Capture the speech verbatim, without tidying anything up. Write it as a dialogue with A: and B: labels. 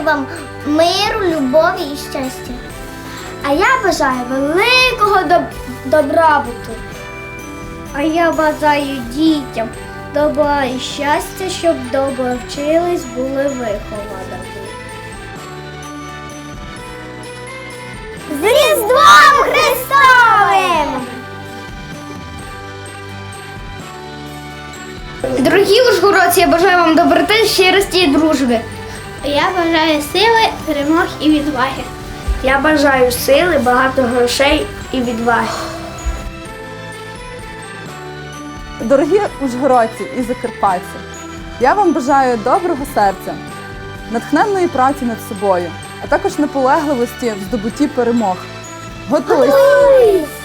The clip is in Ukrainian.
A: бажаю вам миру, любові і щастя.
B: А я бажаю великого доб- добробуту. А я бажаю дітям добра і щастя, щоб добре вчились, були виховані.
A: З Різдвом Христовим!
B: Дорогі ужгородці, я бажаю вам доброти, щирості і дружби.
A: Я бажаю сили, перемог і відваги.
B: Я бажаю сили, багато грошей і відваги.
C: Дорогі ужгородці і закарпатці, я вам бажаю доброго серця, натхненної праці над собою, а також наполегливості в здобутті перемог. Готуйся!